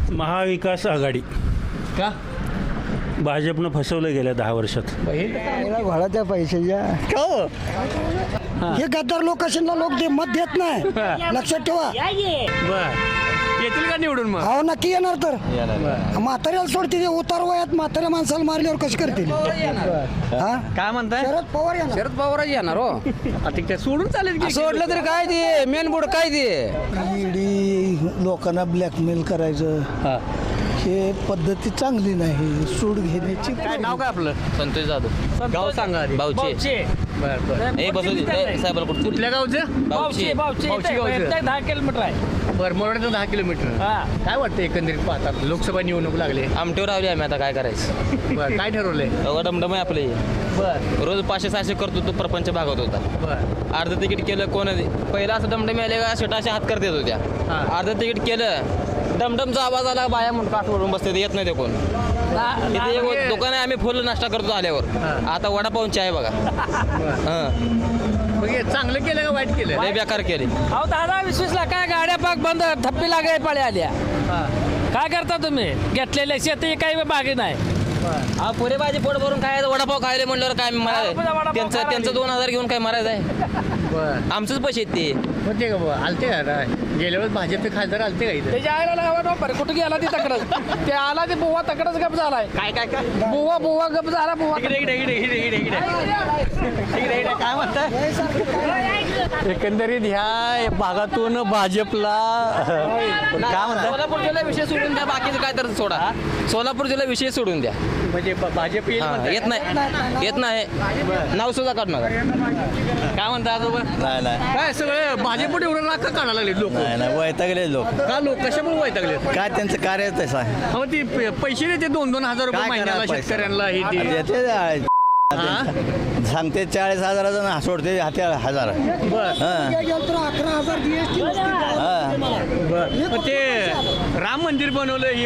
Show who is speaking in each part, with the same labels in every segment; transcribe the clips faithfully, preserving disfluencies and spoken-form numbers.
Speaker 1: महाविकास आघाडी.
Speaker 2: का
Speaker 1: भाजपनं फसवलं गेल्या दहा वर्षात.
Speaker 3: घोळाच्या पैशाच्या
Speaker 2: का हो?
Speaker 3: हे गद्दार लोक लोक दे मत देत नाही. लक्षात ठेवा.
Speaker 2: बर येतील का निवडून मग?
Speaker 3: हो नक्की येणार. तर म्हाताऱ्याला सोडते ते उतार वयात म्हाताऱ्या माणसाला मारल्यावर कशी करतील. हा
Speaker 2: काय म्हणताय?
Speaker 3: शरद पवार येणार.
Speaker 4: शरद पवारच येणार हो.
Speaker 2: आता ते सोडून चालेल की?
Speaker 4: सोडलं तरी काय ते मेन बोर्ड काय ते
Speaker 3: ईडी लोकांना ब्लॅकमेल करायचं
Speaker 2: हा.
Speaker 3: हे पद्धती चांगली नाही. सूड घेण्याची
Speaker 2: काय नाव काय आपलं?
Speaker 5: संतोष जाधव.
Speaker 2: गाव सांगा आधी.
Speaker 5: बावचे.
Speaker 2: बर बर
Speaker 5: ए बसू साहेबाला कुठं
Speaker 2: कुठल्या गावचं?
Speaker 5: बावचे.
Speaker 2: बावची गावचं.
Speaker 6: दहा किलोमीटर आहे.
Speaker 2: बरं मोरड्याचं दहा किलोमीटर.
Speaker 6: हा.
Speaker 2: काय वाटतं एकंदरीत पाहतात लोकसभा निवडणूक लागले?
Speaker 5: आमटेवर रावली आम्ही आता काय करायचं.
Speaker 2: बरं काय ठरवलंय?
Speaker 5: अगं डमडम आहे आपले.
Speaker 2: बर
Speaker 5: रोज पाचशे सहाशे करतो तो प्रपंच भागवत होता.
Speaker 2: बर
Speaker 5: अर्ध तिकीट केलं कोण पहिला असं डमडम आले का शेटाशे हात करत येत होत्या.
Speaker 2: हा.
Speaker 5: अर्ध तिकीट केलं डमडमचा आवाज आला बाया म्हणून काठ वरून बसते येत नाही ते कोण. तिथे एक दुकान आहे आम्ही फुल नाश्ता करतो आल्यावर. आता वडापावून चाय बघा. हां
Speaker 2: मग हे चांगलं केलं का वाईट केलं?
Speaker 5: लय बेकार केले.
Speaker 6: अहो दहा वीस वीस ला काय गाड्या पाक बंद थप्पी लागाय पाळ्या आल्या.
Speaker 2: हा.
Speaker 6: काय करता तुम्ही घेतलेले शेती काही बागी नाही.
Speaker 5: हा पुरे भाजी पोट भरून खायचं वडापाव खायला म्हणल्यावर काय
Speaker 6: वडापाव
Speaker 5: मारायचं त्यांचं
Speaker 6: खायला
Speaker 5: त्यांचं दोन हजार घेऊन काय मारायचं आहे.
Speaker 2: बर
Speaker 5: आमचंच पैसे आहेत ते.
Speaker 2: मग ते का बुवा? आलते का आता? गेल्या वेळेस भाजपचे खासदार आलते का इथं?
Speaker 6: त्याच्या आईला लावा बरं कुठं गेला ती तकडच ते आला ते बुवा तकडच गप झालाय.
Speaker 2: काय काय काय
Speaker 6: बुवा बुवा गप झाला बुवा.
Speaker 2: इकडे इकडे इकडे इकडे इकडे इकडे इकडे इकडे काय म्हणताय? एकंदरीत ह्या भागातून भाजपला काय म्हणतात?
Speaker 5: सोलापूर जिल्हा विषय सोडून द्या बाकीचं काय तर सोडा. सोलापूर जिल्हा विषय सोडून द्या.
Speaker 2: म्हणजे ब- भाजप येईल
Speaker 5: हा,
Speaker 2: म्हणताय?
Speaker 5: येत नाही येत नाही नाव सुद्धा काढणार.
Speaker 2: काय म्हणता आजोबा?
Speaker 7: नाही नाही
Speaker 2: काय सगळे भाजप एवढं नाक काढायला लागले लोक?
Speaker 7: नाही नाही वैतागले लोक
Speaker 2: का लोक कशामुळे वैतागले?
Speaker 7: काय त्यांचं कार्य तसं आहे.
Speaker 2: अहो ती प- पैसे देते दोन दोन हजार रुपये
Speaker 7: काय
Speaker 2: महिन्याला
Speaker 7: करायला पैसे?
Speaker 2: शेतकऱ्यांना हे ते.
Speaker 7: देते ते-
Speaker 2: हा?
Speaker 7: सांगते चाळीस हजाराचं ना सोडते हाते हजार.
Speaker 2: बर
Speaker 7: हां
Speaker 3: गेलं तर अकरा हजार जीएसटी
Speaker 7: हां
Speaker 2: बर मग ते राम मंदिर बनवलं हे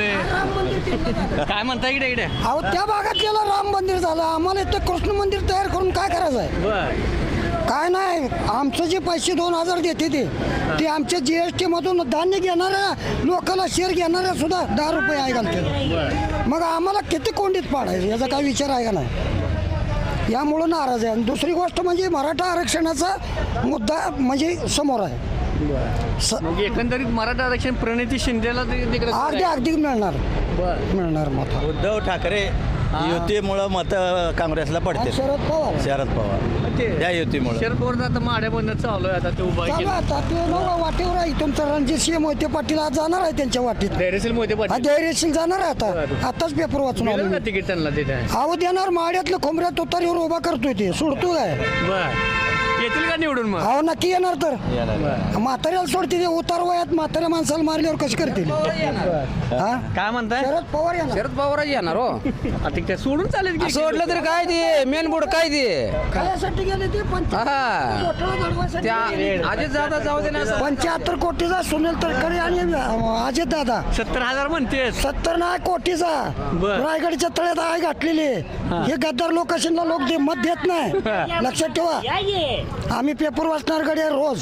Speaker 2: बनवलंय काय म्हणता इकडे इकडे?
Speaker 3: अहो त्या भागात गेलं राम मंदिर झालं. आम्हाला इथं कृष्ण मंदिर तयार करून काय करायचं आहे.
Speaker 2: बर
Speaker 3: काय नाही. आमचं जे पैसे दोन हजार देते ते ते आमच्या जीएसटी मधून धान्य घेणाऱ्या लोकांना शेअर घेणाऱ्या सुद्धा दहा रुपये आहे घालते. मग आम्हाला किती कोंडीत पाडायचं याचा काय विचार आहे का नाही. यामुळं नाराज आहे. आणि दुसरी गोष्ट म्हणजे मराठा आरक्षणाचा मुद्दा म्हणजे समोर आहे. स-
Speaker 2: मग एकंदरीत मराठा आरक्षण प्रणिती शिंदेला ते- तिकडे
Speaker 3: अगदी अगदी मिळणार
Speaker 2: बर
Speaker 3: मिळणार मत.
Speaker 7: उद्धव ठाकरे युतीमुळं मत काँग्रेसला पडते.
Speaker 3: शरद पवार
Speaker 7: शरद पवार
Speaker 2: ते
Speaker 7: त्या युतीमुळं
Speaker 2: शरद पवार आता माड्या बंद चालू आहे आता ते उभा
Speaker 3: चालू
Speaker 2: केलं
Speaker 3: आता ते नवं वाटेवर आहे. तुमचं रणजित सिंह मोहिते पाटील आज जाणार आहे त्यांच्या वाटेत.
Speaker 2: धैर्यशील मोहिते
Speaker 3: हा
Speaker 2: पाटील
Speaker 3: धैर्यशील जाणार आहे आता. आताच पेपर वाचून आलो
Speaker 2: मिळेल
Speaker 3: मी.
Speaker 2: का तिकीट त्यांना तिथे?
Speaker 3: अहो देणार माड्यातलं खोमऱ्यात तुतारीवर उभा करतोय ते सोडतो काय.
Speaker 2: बर येतील का निवडून मग?
Speaker 3: अहो नक्की येणार. तर
Speaker 2: बर
Speaker 3: म्हाताऱ्याला सोडते ते उतार वयात म्हाताऱ्या माणसाला मारल्यावर कशी करतील. हा
Speaker 2: काय म्हणताय?
Speaker 3: शरद पवार येणार.
Speaker 4: शरद पवारच येणार हो.
Speaker 2: आता ते सोडून चालेल की?
Speaker 4: सोडलं तरी काय ते मेन बोर्ड काय ते
Speaker 3: खायासाठी गेले ते पंच्याहत्तर
Speaker 4: हा.
Speaker 3: घोटाळा घडवायसाठी
Speaker 4: त्या
Speaker 3: गेले.
Speaker 4: आधीच जाता जाऊ दे ना.
Speaker 3: पंच्याहत्तर कोटीचा सुनील तटकरे आणि अजित दादा
Speaker 2: सत्तर हजार म्हणते.
Speaker 3: सत्तर नाही कोटीचा
Speaker 2: बर.
Speaker 3: रायगडच्या तळ्यात आय घातलेली. हे गद्दार लोकेशनला लोक दे मत देत नाही. लक्षात ठेवा. आम्ही पेपर वाचणार गड्या रोज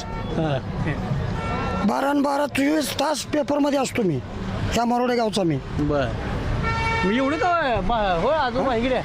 Speaker 3: बारा न बारा चोवीस तास पेपरमध्ये असतो मी. त्या मरोडे गावचा मी.
Speaker 2: बर मी एवढं का बा- हो आजोबा इकडे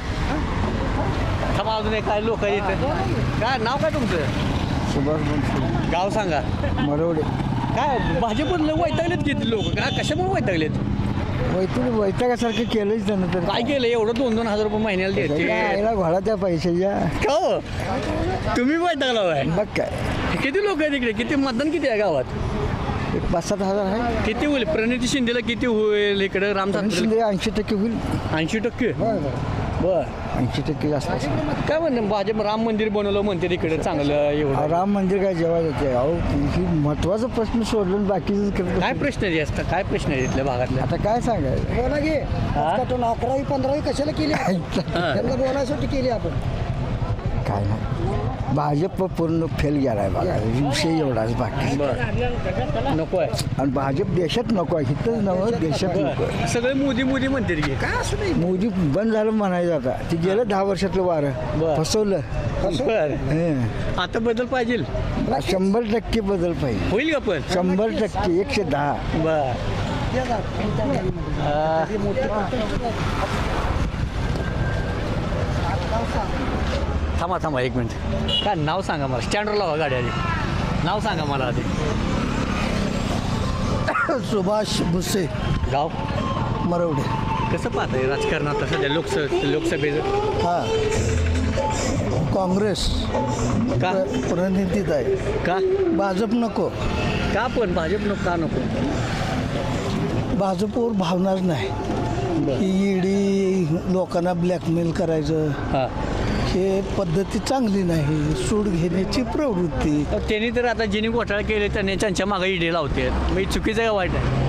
Speaker 2: थांबा अजून एक काय लोक येत. काय नाव काय तुमचं?
Speaker 3: सुभाष
Speaker 2: गाव सांगा.
Speaker 3: मरोडे
Speaker 2: काय भाजपला वैतागलेत किती लोक? काय कशामुळे वैतागलेत?
Speaker 3: वैतून वैतागासारखं केलंच त्यानं. तर
Speaker 2: काय केलं एवढं दोन दोन हजार रुपये महिन्याला देते?
Speaker 3: घोळाच्या पैशाच्या
Speaker 2: का हो? तुम्ही वैतागला आहे.
Speaker 3: बघ काय
Speaker 2: किती लोक आहेत इकडे? किती मतदान किती आहे गावात?
Speaker 3: एक पाच सात हजार आहे.
Speaker 2: किती होईल? प्रणिती शिंदेला किती होईल इकडे? राम
Speaker 3: शिंदे ऐंशी टक्के होईल.
Speaker 2: ऐंशी टक्के बर
Speaker 3: ऐंशी टक्के जास्त असेल.
Speaker 2: काय म्हणते भाजप राम मंदिर बनवलं म्हणते तिकडे चांगलं एवढं.
Speaker 3: राम मंदिर काय जेव्हा येते. अहो ही महत्वाचा प्रश्न सोडलं बाकीचं करत
Speaker 2: काय प्रश्न आहे जास्त? काय प्रश्न आहे इथल्या भागातल्या?
Speaker 3: आता काय सांगायचं. बोला घे अकरावी पंधरावी कशाला केली त्यांना बोलायसाठी केली आपण. काय नाही भाजप पूर्ण फेल गेलाय बघा. विषय एवढाच बाकी.
Speaker 2: बरं नको आहे.
Speaker 3: आणि भाजप देशात नको आहे. इथंच नवं देशात नको आहे.
Speaker 2: सगळे मोदी मोदी म्हणते की
Speaker 3: काय असं नाही. मोदी बंद झालं म्हणायचं आता. ते गेलं दहा वर्षातलं वारं
Speaker 2: बरं.
Speaker 3: फसवलं.
Speaker 2: बर
Speaker 3: हं.
Speaker 2: आता बदल पाहिजे.
Speaker 3: शंभर टक्के बदल पाहिजे.
Speaker 2: होईल का पण?
Speaker 3: शंभर टक्के एकशे दहा.
Speaker 2: बर थांबा थांबा एक मिनिट. काय नाव सांगा मला, स्टँडवर लावा गाडी आधी. नाव सांगा मला आधी.
Speaker 3: सुभाष भुसे,
Speaker 2: गाव
Speaker 3: मरवडे.
Speaker 2: कसं पाहताय राजकारणात सध्या लोकस लोकसभेचं?
Speaker 3: हा, काँग्रेस
Speaker 2: का
Speaker 3: प्रणितीत आहे.
Speaker 2: का
Speaker 3: भाजप नको.
Speaker 2: का पण भाजप नको का नको?
Speaker 3: भाजपवर भावनाच नाही. ही ईडी लोकांना ब्लॅकमेल करायचं
Speaker 2: हां,
Speaker 3: हे पद्धती चांगली नाही. सूड घेण्याची प्रवृत्ती.
Speaker 2: त्यांनी तर आता ज्यांनी घोटाळा केले त्यांनी त्यांच्या मागे ईडी लावते. मी चुकीचं का वाईट आहे?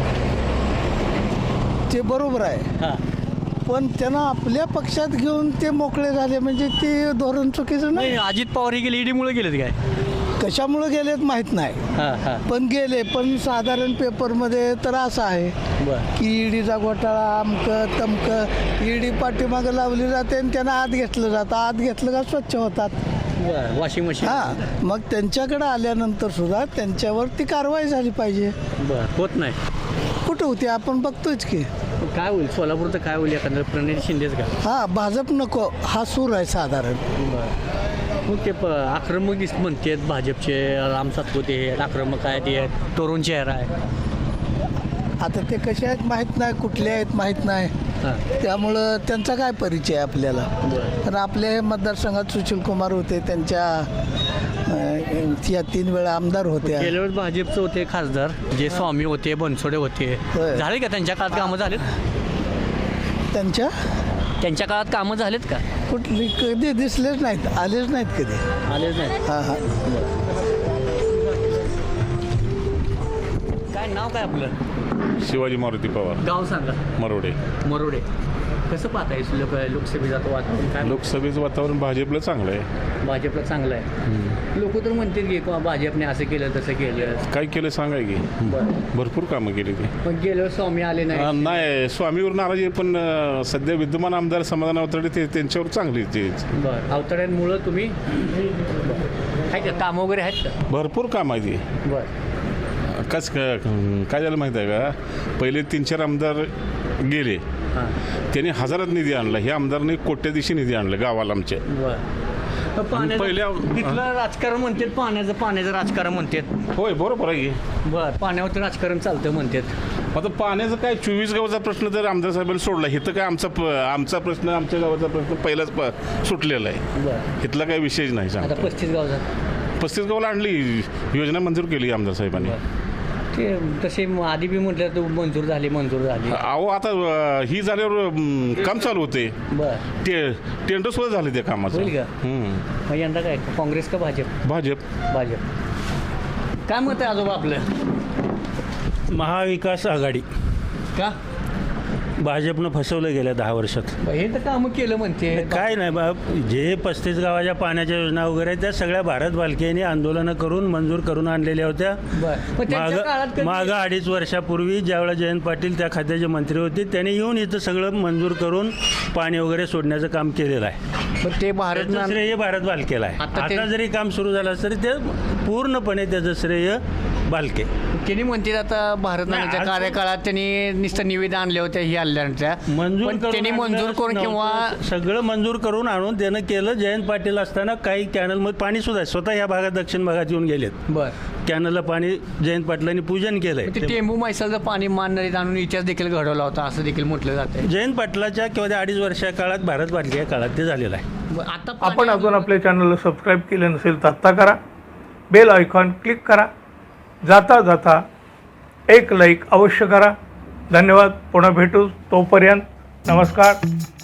Speaker 3: ते बरोबर आहे,
Speaker 2: हां,
Speaker 3: पण त्यांना आपल्या पक्षात घेऊन ते मोकळे झाले म्हणजे ते धोरण चुकीचं नाही.
Speaker 2: नाही अजित पवार हे गेले ईडीमुळे गेलेत काय?
Speaker 3: कशामुळे गेलेत माहीत नाही,
Speaker 2: हां हां,
Speaker 3: पण गेले. पण साधारण पेपरमध्ये तर असं आहे
Speaker 2: बरं.
Speaker 3: की ईडीचा घोटाळा अमकं तमकं. ईडी पाठीमागं लावली जाते आणि त्यांना आत घेतलं जातं. आत घेतलं का स्वच्छ होतात.
Speaker 2: बरं, वॉशिंग मशीन.
Speaker 3: हां, मग त्यांच्याकडे आल्यानंतर सुद्धा त्यांच्यावर ती कारवाई झाली पाहिजे.
Speaker 2: बरं, होत नाही.
Speaker 3: कुठं होती आपण बघतोच की.
Speaker 2: काय होईल सोलापूरचं, काय होईल एखादं प्रणिती शिंदेच का?
Speaker 3: हां, भाजप नको हा सूर आहे साधारण.
Speaker 2: मग ते प आक्रमक दिस म्हणतात भाजपचे. राम सातपुते आक्रमक आहे, ते तरुण चेहरा आहे.
Speaker 3: आता ते कसे आहेत माहीत नाही, कुठले आहेत माहीत नाही.
Speaker 2: हां,
Speaker 3: त्यामुळं त्यांचा काय परिचय आपल्याला.
Speaker 2: बरं.
Speaker 3: तर आपल्या हे मतदारसंघात सुशील कुमार होते, त्यांच्या अं, या तीन वेळा आमदार होत्या.
Speaker 2: गेल्या वेळेस भाजपचे होते खासदार, जे स्वामी होते, बनसोडे होते.
Speaker 3: होय.
Speaker 2: झाले का त्यांच्या काळात कामं झालेत?
Speaker 3: त्यांच्या
Speaker 2: त्यांच्या काळात कामं झालेत का?
Speaker 3: कुठली कधी दिसलेच नाहीत, आलेच नाहीत कधी.
Speaker 2: आलेच नाही.
Speaker 3: हां हां.
Speaker 2: काय नाव काय आपलं?
Speaker 8: शिवाजी मारुती पवार,
Speaker 2: गाव सांगा.
Speaker 8: मरोडे.
Speaker 2: मरोडे. कसं पाहताय लोक लोकसभेचं वातावरण? काय
Speaker 8: लोकसभेचं वातावरण भाजपला चांगलं आहे.
Speaker 2: भाजपला चांगलं आहे. लोक तर म्हणतील की किंवा भाजपने असं केलं तसं केलं.
Speaker 8: काय केलं सांगाय की
Speaker 2: बरं,
Speaker 8: भरपूर कामं केली ती.
Speaker 2: पण गेल्यावर स्वामी आले
Speaker 8: अं,
Speaker 2: नाही.
Speaker 8: नाही स्वामीवर नाराजी आहे, पण अं, सध्या विद्यमान आमदार समाधान अवतडे ते त्यांच्यावर चांगली ते
Speaker 2: बरं, अवतड्यांमुळं तुम्ही आहे का कामं वगैरे आहेत का?
Speaker 8: भरपूर काम आहे ती.
Speaker 2: बरं,
Speaker 8: कस काय झालं माहिती आहे का, पहिले तीन चार आमदार गेले,
Speaker 2: हां,
Speaker 8: त्यांनी हजारात निधी आणला. हे आमदारने कोट्याधीशी निधी आणलं गावाला आमच्या.
Speaker 2: बरं. पाण्याचं
Speaker 8: पहिल्या-
Speaker 2: तिथलं राजकारण म्हणतात, पाण्याचं पाण्याचं राजकारण म्हणतात.
Speaker 8: होय बरोबर आहे की.
Speaker 2: बरं, पाण्यावर तर राजकारण चालतं म्हणतात.
Speaker 8: आता पाण्याचं काय चोवीस गावाचा प्रश्न जर आमदार साहेबांनी सोडला, इथं काय आमचा प- आमचा प्रश्न आमच्या गावाचा प्रश्न पहिलाच प सुटलेला आहे.
Speaker 2: बरं,
Speaker 8: इथला काही विषयच नाही
Speaker 2: आता
Speaker 8: सांगता.
Speaker 2: पस्तीस गाव झालं.
Speaker 8: पस्तीस गावाला आणली, योजना मंजूर केली आमदार साहेबांनी.
Speaker 2: ते तसे आधी बी म्हटलं तर मंजूर झाली मंजूर झाली.
Speaker 8: अहो आता अं, ही झाल्यावर अं, काम चालू होते.
Speaker 2: बरं,
Speaker 8: ते टेंडर सुद्धा झाले त्या कामाचं.
Speaker 2: होईल का?
Speaker 8: हम्म.
Speaker 2: मग यंदा काय काँग्रेस का भाजप?
Speaker 8: भाजप.
Speaker 2: भाजप. काय मत आहे आजोबा आपलं?
Speaker 1: महाविकास आघाडी.
Speaker 2: का
Speaker 1: भाजपनं फसवलं गेल्या दहा वर्षात.
Speaker 2: हे तर कामं केलं म्हणते.
Speaker 1: काय नाही बा, जे पस्तीस गावाच्या पाण्याच्या योजना वगैरे आहेत, त्या सगळ्या भारत बालकेने आंदोलनं करून मंजूर करून आणलेल्या होत्या.
Speaker 2: बरं, पण त्यांच्या काळात
Speaker 1: माग
Speaker 2: कधी-
Speaker 1: मागं अडीच वर्षापूर्वी ज्यावेळेला जयंत पाटील त्या खात्याचे मंत्री होते, त्यांनी येऊन इथं सगळं मंजूर करून पाणी वगैरे सोडण्याचं काम केलेलं आहे.
Speaker 2: पण ते भारत
Speaker 1: त्याचं श्रेय भारत बालकेला आहे.
Speaker 2: आता ते-
Speaker 1: आता जरी काम सुरू झालं तरी ते पूर्णपणे त्याचं श्रेय बालके.
Speaker 2: त्यांनी म्हणते आता भारत नाण्याच्या
Speaker 1: आज-
Speaker 2: कार्यकाळात त्यांनी नुसतं निवेदन आणले होते ही आणल्यानंतर
Speaker 1: मंजूर
Speaker 2: पण
Speaker 1: करून
Speaker 2: त्यांनी मंजूर
Speaker 1: आणलं
Speaker 2: करून किंवा
Speaker 1: नव्हतं. सगळं मंजूर करून आणून त्यानं केलं. जयंत पाटील असताना काही कॅनलमध्ये पाणी सुद्धा स्वतः या भागात दक्षिण भागात येऊन गेलेत.
Speaker 2: बरं,
Speaker 1: कॅनलला पाणी जयंत पाटलांनी पूजन केलंय.
Speaker 2: ते टेंबू मैसालचं पाणी मान नदीत आणून इतिहास देखील घडवला होता असं देखील म्हटलं जातं.
Speaker 1: जयंत पाटलाच्या किंवा त्या अडीच वर्षा काळात भारत बालके काळात ते झालेलं आहे.
Speaker 2: आता
Speaker 9: आपण अजून आपल्या चॅनलला सबस्क्राईब केले नसेल तर आत्ता करा. बेल आयकॉन क्लिक करा. जाता जाता एक लाईक अवश्य करा. धन्यवाद. पुन्हा भेटू. तोपर्यंत नमस्कार.